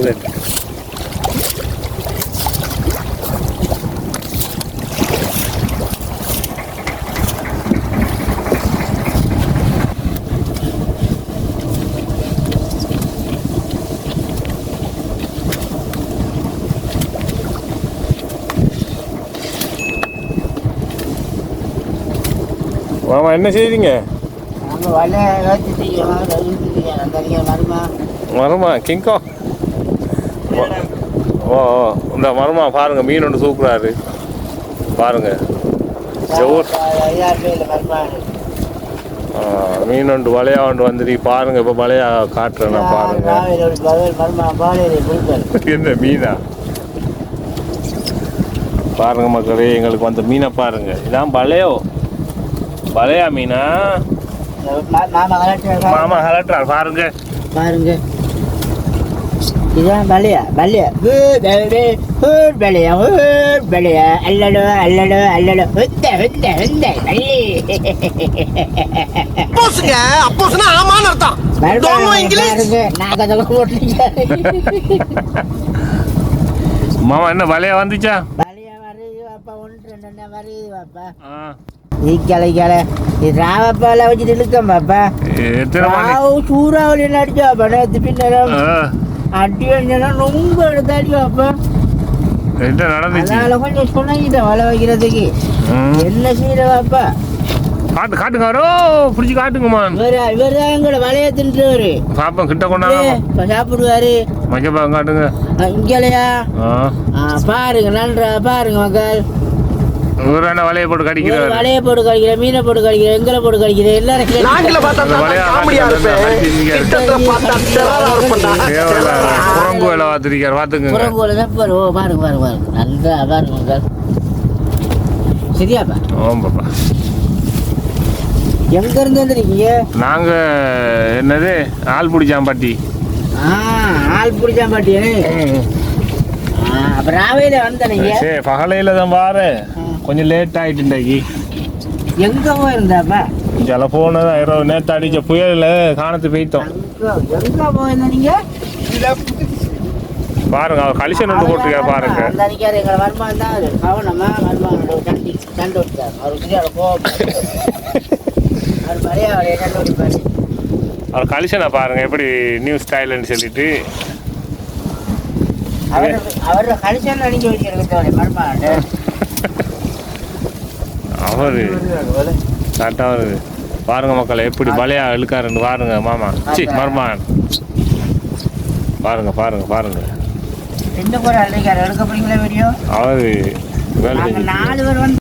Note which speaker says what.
Speaker 1: நல்லது. மாமா என்ன செய்றீங்க? மரமா கிங்கோ ஓ இந்த மரமா பாருங்க, மீன் ஒன்று தூக்குறாரு பாருங்க. மீன் ஒன்று வலையா ஒன்று வந்துட்டு பாருங்க. இப்போ வலையா காட்டுறேன் நான் பாருங்க. என்ன மீனா பாருங்க மக்களே, எங்களுக்கு வந்த மீனை பாருங்க. இதான் வலையா மீனா மாமா கலட்டுறார் பாருங்க
Speaker 2: பாருங்க. இதான் வலையா அல்லடோ ஆமான்னு அர்த்தம்.
Speaker 1: மாமா என்ன வலையா வந்துச்சா?
Speaker 2: வலையா வருது பாப்பா, ஒன்று ரெண்டு வருது பாப்பா. ராவப்பால வச்சுட்டு இழுக்கம் பாப்பா. சூறாவளி அடிச்சா பாப்பா. நேற்று பின்னரம் அடி வந்தா ரொம்ப எடுத்தாடி பாப்பா. அதனால கொஞ்சம் சொன்னாங்கிட்டேன் வலை வைக்கிறதுக்கு. என்ன செய்யற பாப்பா?
Speaker 1: காட்டுங்க பிடிச்சி காட்டுங்கம்மா.
Speaker 2: இவர் தான் எங்களோட வலைய தின்றுவாரு
Speaker 1: பாப்பா. கிட்ட கொண்டாங்க
Speaker 2: சாப்பிடுவாரு.
Speaker 1: மஞ்சப்பா காட்டுங்க
Speaker 2: இங்கலையா பாருங்க. நன்றா பாருங்க மக்கள்.
Speaker 1: வலையை போட்டு கடிக்கிற,
Speaker 2: வலையை போட்டு கடிக்கிற, மீனை போட்டு கடிக்கிற, எங்களை போட்டு கடிக்கிற, எல்லாரும்
Speaker 1: குரங்கு வேலை பார்த்துருக்காரு பாத்துங்க.
Speaker 2: குரங்கு வேலை தான் பாரு. பாருங்க பாருங்க பாருங்க நல்லா பாருங்க. சரியாப்பா?
Speaker 1: ஆமாப்பா.
Speaker 2: எங்க இருந்து வந்துருக்கீங்க?
Speaker 1: நாங்க என்னது ஆல்புடிச்சாம்பாட்டி.
Speaker 2: ஆல்புடிச்சாம்பாட்டி. அப்ப ராவையில வந்தீங்க?
Speaker 1: சரி பகலையில தான் பாரு. கொஞ்சம் லேட் ஆயிட்டு இன்றைக்கு.
Speaker 2: எங்க போயிருந்தாப்பா?
Speaker 1: ஜல போனதான் இரவு நேற்று அடிச்ச புயல காணத்து போயிட்டோம்.
Speaker 2: எங்க போயிருந்தீங்க
Speaker 1: பாருங்க. அவர் கலிசன் ஒன்று போட்டுருக்காரு பாருங்க.
Speaker 2: எங்களை வருமானம் தான் கவனமா வருமானம் சண்டை விட்டார்.
Speaker 1: அவர் கலிசனை பாருங்க எப்படி நியூ ஸ்டைல்னு சொல்லிட்டு
Speaker 2: அவரோட கலிசன் அடிக்க வச்சிருக்க வருமானம்.
Speaker 1: அவரு கரெக்டாக வருது பாருங்க மக்களை, எப்படி வலையா இழுக்காருன்னு பாருங்க மாமா. மர்மான் பாருங்க பாருங்க பாருங்க.
Speaker 2: ரெண்டு பேரும் எடுக்க போறீங்களா வீடியோ?
Speaker 1: அவரு
Speaker 2: 4 பேர் வந்து